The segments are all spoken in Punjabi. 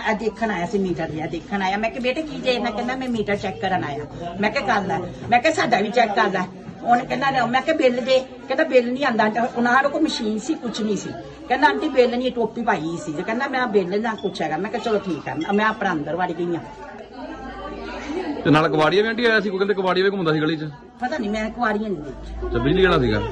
देखन आया सी मीटर जिहा देखन आया। मैं बेटे की देखना, कहना मैं मीटर चेक करन आया। मैं कर लै, मैं साडा भी चेक कर लै। उन्हें कहना मैं बिल दे, कहना बिल नहीं आंदा। उन्होंने कोई मशीन सी कुछ नहीं सी। कहना आंटी बिल नहीं, टोपी पाई सी। कहना मैं बिल ना कुछ है। मैं चलो ठीक है। मैं अपना अंदर वड़ गई हाँ। ਤੇ ਨਾਲ ਕਵਾੜੀਆ ਵੀ ਆਂਟੀ ਆਇਆ ਸੀ, ਕੋਈ ਕਹਿੰਦੇ ਕਵਾੜੀਆ ਵੀ ਘੁੰਮਦਾ ਸੀ ਗਲੀ 'ਚ। पता नहीं, मैं कुआरियां नहीं देखी। ਤੇ ਬਿਜਲੀ ਵਾਲਾ ਸੀਗਾ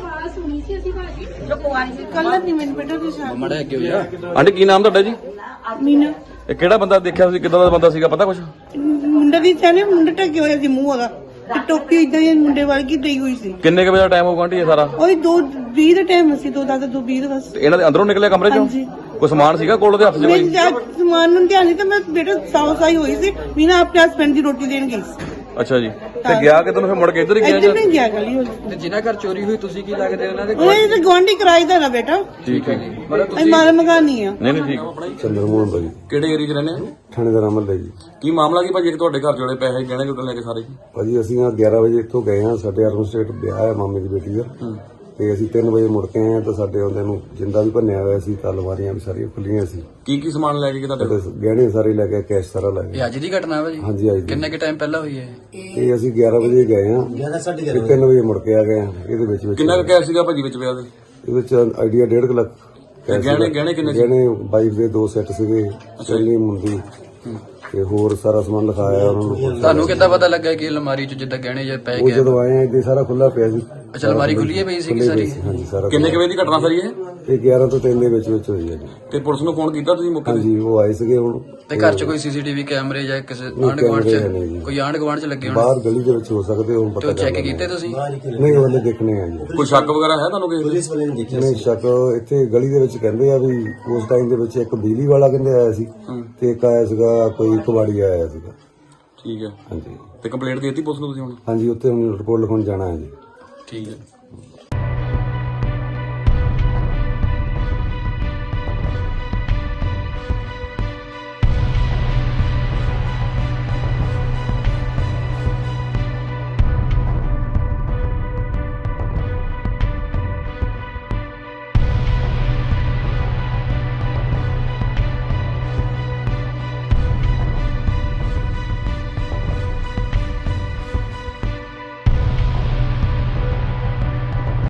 जो कुआरी कलर नहीं मैंने बेटा भी साथ ਮਾੜਾ ਅੱਗੇ ਹੋ ਜਾ। ਆਂਟੀ ਕੀ ਨਾਮ ਤੁਹਾਡਾ ਜੀ? मीना ਇਹ ਕਿਹੜਾ ਬੰਦਾ ਦੇਖਿਆ ਸੀ, ਕਿੱਦਾਂ ਦਾ ਬੰਦਾ ਸੀਗਾ, ਪਤਾ ਕੁਛ? ਮੁੰਡਾ ਦੀ ਚਾਹਨੇ ਮੁੰਡਾ ਟੱਕੇ ਹੋਇਆ ਸੀ ਮੂੰਹ ਉਹਦਾ ਤੇ ਟੋਪੀ ਇਦਾਂ ਹੀ ਮੁੰਡੇ ਵਰਗੀ ਦੇਈ ਹੋਈ ਸੀ। ਕਿੰਨੇ ਕੁ ਵਜੇ ਦਾ ਟਾਈਮ ਹੋਊਗਾ ਆਂਟੀ ਇਹ ਸਾਰਾ? ਉਹੀ 2:20 ਦਾ ਟਾਈਮ ਸੀ, 2:10 2:20 ਦਾ ਬਸ। ਤੇ ਇਹਨਾਂ ਦੇ ਅੰਦਰੋਂ ਨਿਕਲਿਆ ਕਮਰੇ 'ਚੋਂ? ਹਾਂਜੀ। ਕੋਈ ਸਮਾਨ ਸੀਗਾ ਕੋਲ ਉਹਦੇ ਹੱਥ 'ਚ? ਮੈਂ ਕੋਈ ਜਦ ਸਮਾਨ ਨੂੰ ਧਿਆਨ ਨਹੀਂ ਤਾਂ ਮੈਂ ਬੇਟਾ ਸਾਈ ਹੋਈ ਸੀ। ਮੀਨਾ ਆਪਣੇ ਹਸਬੈਂਡ ਦੀ ਰੋਟੀ ਦੇਣ ਗਈ ਸੀ। ਅੱਛਾ ਜੀ। ਤੇ ਗਿਆ ਕਿਤੇ ਨੂੰ ਫਿਰ ਮੁੜ ਕੇ ਇੱਧਰ ਹੀ ਗਿਆ? ਇੱਧਰ ਨਹੀਂ ਗਿਆ ਗਲੀ ਹੋਈ। ਤੇ ਜਿਨ੍ਹਾਂ ਘਰ ਚੋਰੀ ਹੋਈ ਤੁਸੀਂ ਕੀ ਲੱਗਦੇ ਉਹਨਾਂ ਦੇ? ਉਹ ਇਹ ਤਾਂ ਗਵਾਂਢੀ ਕਿਰਾਏਦਾਰ ਦਾ ਨਾ ਬੇਟਾ। ਠੀਕ ਹੈ। ਅਸੀਂ ਮਾਲ ਮਕਾਨੀ ਆ। ਨਹੀਂ ਠੀਕ। ਚੰਦਰਮੋਹਨ ਭਾਜੀ, ਕਿਹੜੇ ਏਰੀਆ 'ਚ ਰਹਿੰਦੇ ਆ? ਥਾਣੇਦਾਰ ਅਮਲ ਜੀ। ਕੀ ਮਾਮਲਾ ਕੀ ਭਾਜੀ, ਤੁਹਾਡੇ ਘਰ ਜੋੜੇ ਪੈਸੇ ਗਹਿਣੇ ਗੁੱਟਣ ਲੈ ਕੇ ਸਾਰੇ? ਭਾਜੀ ਅਸੀਂ 11 ਵਜੇ ਇੱਥੋਂ ਗਏ ਹਾਂ, ਸਾਡੇ ਅਰਬਨ ਸਟੇਟ ਵਿਆਹ ਹੈ ਮਾਮੇ ਦੀ ਬੇਟੀ ਦਾ, ਤੇ ਅਸੀਂ 3 ਵਜੇ ਮੁੜ ਕੇ ਆਏ ਹਾਂ ਤਾਂ ਸਾਡੇ ਆਉਂਦੇ ਨੂੰ ਜਿੰਦਾ ਵੀ ਭੰਨਿਆ ਹੋਇਆ ਸੀ, ਤਾਂ ਅਲਮਾਰੀਆਂ ਵੀ ਸਾਰੀਆਂ ਖੁੱਲੀਆਂ ਸੀ। ਕੀ ਸਮਾਨ ਲੈ ਕੇ ਤੁਹਾਡੇ? ਸਾਡੇ ਗਹਿਣੇ ਸਾਰੇ ਲੈ ਕੇ, ਕੈਸ਼ ਸਾਰਾ ਲੈ ਇਹ ਗਏ। ਅੱਜ ਦੀ ਘਟਨਾ ਵਾ ਜੀ? ਹਾਂਜੀ ਅੱਜ ਕਿੰਨੇ ਕੁ ਟਾਈਮ ਪਹਿਲਾਂ ਹੋਈ ਹੈ? ਇਹ ਅਸੀਂ 11 ਵਜੇ ਗਏ ਹਾਂ ਤੇ 3 ਵਜੇ ਮੁੜ ਕੇ ਆ ਗਏ ਹਾਂ। ਇਹਦੇ ਵਿੱਚ ਕਿੰਨਾ ਕੁ ਕੈਸ਼ ਸੀਗਾ ਭਾਜੀ ਵਿੱਚ ਪਿਆ ਉਹਦੇ? ਇਹਦੇ ਵਿੱਚ ਆਈਡੀਆ 1.5 ਲੱਖ ਕੈਸ਼ ਸੀਗਾ। ਗਹਿਣੇ ਕਿੰਨੇ ਸੀ? ਗਹਿਣੇ ਬਾਈਕ ਦੇ 2 ਸੈੱਟ ਸੀਗੇ, ਚੈਨੀ ਮੁੰਦੀ ਤੇ ਹੋਰ ਸਾਰਾ ਸਮਾਨ ਲਿਖਾਇਆ ਉਹਨਾਂ ਨੂੰ। ਤੁਹਾਨੂੰ ਕਿੱਦਾਂ ਪਤਾ ਲੱਗਾ ਕਿ ਅਲਮਾਰੀ 'ਚ ਜਿੱਦਾਂ ਗਹਿਣੇ ਜੇ ਪੈ ਉਹ ਗਏ? ਜਦੋਂ ਆਏ ਇੱਥੇ ਸਾਰਾ ਖੁੱਲਾ ਪਿਆ ਸੀ। ਅੱਛਾ, ਅਲਮਾਰੀ ਖੁੱਲੀ ਪਈ ਸੀਗੀ ਸਾਰੀ? ਹਾਂਜੀ ਸਾਰਾ। ਕਿੰਨੇ ਕੁ ਵਜੇ ਦੀ ਘਟਨਾ ਸਾਰੀ ਇਹ? ਇਹ 11 ਤੋਂ 3 ਦੇ ਵਿੱਚ ਹੋਈ ਹੈ ਜੀ। ਤੇ ਪੁਲਿਸ ਨੂੰ ਫੋਨ ਕੀਤਾ ਤੁਸੀਂ ਮੌਕੇ ਤੇ? ਹਾਂਜੀ ਉਹ ਆਏ ਸੀਗੇ ਹੁਣ। ਤੇ ਘਰ 'ਚ ਕੋਈ ਸੀਸੀਟੀਵੀ ਕੈਮਰੇ ਜਾਂ ਕਿਸੇ ਆਂਢ ਗੁਆਂਢ 'ਚ ਕੋਈ ਆਂਢ ਗੁਆਂਢ 'ਚ ਲੱਗੇ ਹੋਣ? ਬਾਹਰ ਗਲੀ ਦੇ ਵਿੱਚ ਹੋ ਸਕਦੇ ਹੋ, ਤੇ ਪਤਾ ਉਹ ਚੈੱਕ ਕਰ ਲੈਣਾ। ਕੀਤੇ ਤੁਸੀਂ? ਨਹੀਂ ਉਹਨੇ ਦੇਖਣੇ ਆ ਜੀ। ਕੋਈ ਸ਼ੱਕ ਵਗੈਰਾ ਹੈ ਤੁਹਾਨੂੰ ਕਿਸੇ ਤੇ? ਨਹੀਂ ਸ਼ੱਕ ਇੱਥੇ ਗਲੀ ਦੇ ਵਿੱਚ ਕਹਿੰਦੇ ਆ ਵੀ ਉਸ ਟਾਈਮ ਦੇ ਵਿੱਚ ਇੱਕ ਬਿਜਲੀ ਵਾਲਾ ਕਹਿੰਦੇ ਆਇਆ ਸੀ ਤੇ ਇੱਕ ਆਇਆ ਸੀਗਾ ਕੋਈ ਕਬਾੜੀ ਆਇਆ ਸੀਗਾ। ਠੀਕ ਹੈ। ਹਾਂਜੀ ਤੇ ਕੰਪਲੇਂਟ ਦੇਤੀ ਪੁਲਿਸ ਨੂੰ ਤੁਸੀਂ ਹੁਣ? ਹਾਂਜੀ ਉੱਥੇ ਹੁਣ ਰਿਪੋਰਟ ਲਿਖਾਉਣ ਜਾਣਾ ਹੈ ਜੀ। ਠੀਕ ਹੈ।